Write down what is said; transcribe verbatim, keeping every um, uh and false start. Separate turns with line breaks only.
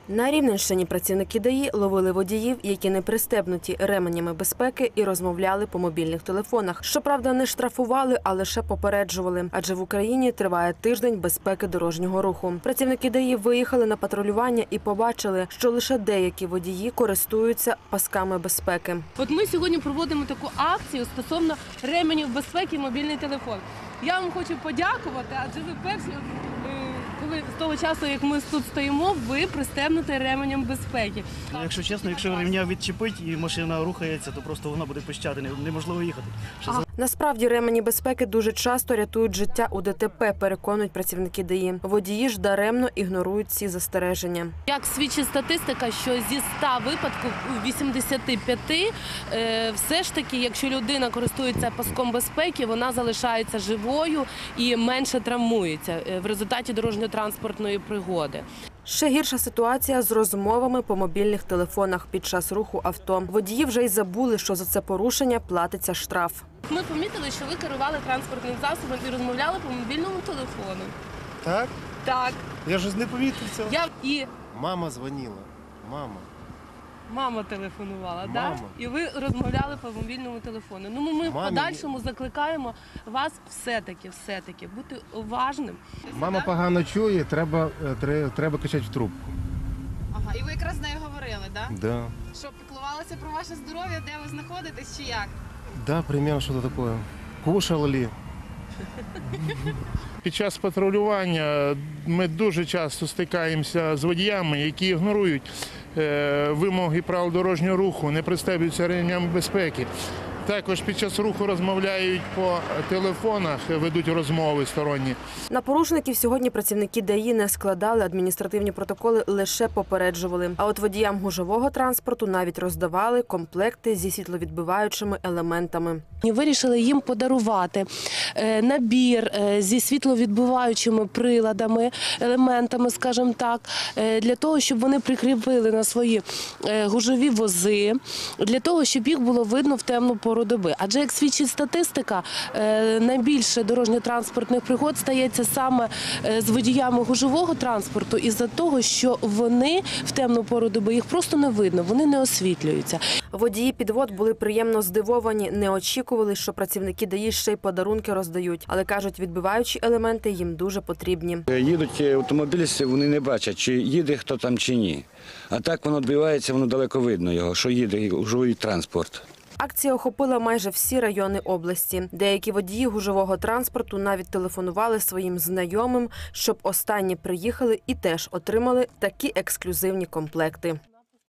На Рівненщині працівники ДАІ ловили водіїв, які не пристебнуті ременями безпеки, і розмовляли по мобільних телефонах. Щоправда, не штрафували, а лише попереджували. Адже в Україні триває тиждень безпеки дорожнього руху. Працівники ДАІ виїхали на патрулювання і побачили, що лише деякі водії користуються пасками безпеки.
От ми сьогодні проводимо таку акцію стосовно ременів безпеки і мобільний телефон. Я вам хочу подякувати, адже ви перші, коли з того часу, як ми тут стоїмо, ви пристебнуті ременем безпеки.
Ну, якщо чесно, якщо ремня відчепить і машина рухається, то просто вона буде пищати, неможливо їхати.
Ага. Насправді ремені безпеки дуже часто рятують життя у ДТП, переконують працівники ДАІ. Водії ж даремно ігнорують ці застереження.
Як свідчить статистика, що зі ста випадків у вісімдесяти п'яти е, все ж таки, якщо людина користується паском безпеки, вона залишається живою і менше травмується в результаті дорожньо-транспортної пригоди.
Ще гірша ситуація з розмовами по мобільних телефонах під час руху авто. Водії вже й забули, що за це порушення платиться штраф.
Ми помітили, що ви керували транспортним засобом і розмовляли по мобільному телефону.
Так?
Так.
Я ж не помітив цього.
Я і
Мама дзвонила. Мама.
мама телефонувала,
Мама.
так? І ви розмовляли по мобільному телефону. Ну, ми в
Мамі...
подальшому закликаємо вас все-таки, все-таки бути уважним.
Мама погано чує, треба, треба, треба кричати в трубку.
Ага, і ви якраз з нею говорили, так? Да?
Да.
Що, піклувалися про ваше здоров'я, де ви знаходитесь чи як?
Да, примерно що-то таке. Кушали ли?
Під час патрулювання ми дуже часто стикаємося з водіями, які ігнорують вимоги правил дорожнього руху, не пристебуються ремнями безпеки. Також під час руху розмовляють по телефонах, ведуть розмови сторонні.
На порушників сьогодні працівники ДАІ не складали адміністративні протоколи, лише попереджували. А от водіям гужового транспорту навіть роздавали комплекти зі світловідбиваючими елементами.
Вирішили їм подарувати набір зі світловідбиваючими приладами, елементами, скажімо так, для того, щоб вони прикріпили на свої гужові вози, для того, щоб їх було видно в темну пору доби. Адже, як свідчить статистика, найбільше дорожньо-транспортних пригод стається саме з водіями гужового транспорту із-за того, що вони в темну пору доби, їх просто не видно, вони не освітлюються.
Водії підвод були приємно здивовані, не очікували, що працівники ДАІ ще й подарунки роздають. Але, кажуть, відбиваючі елементи їм дуже потрібні.
Їдуть автомобілісти, вони не бачать, чи їде хто там, чи ні. А так воно відбивається, воно далеко видно його, що їде гужовий транспорт.
Акція охопила майже всі райони області. Деякі водії гужового транспорту навіть телефонували своїм знайомим, щоб останні приїхали і теж отримали такі ексклюзивні комплекти.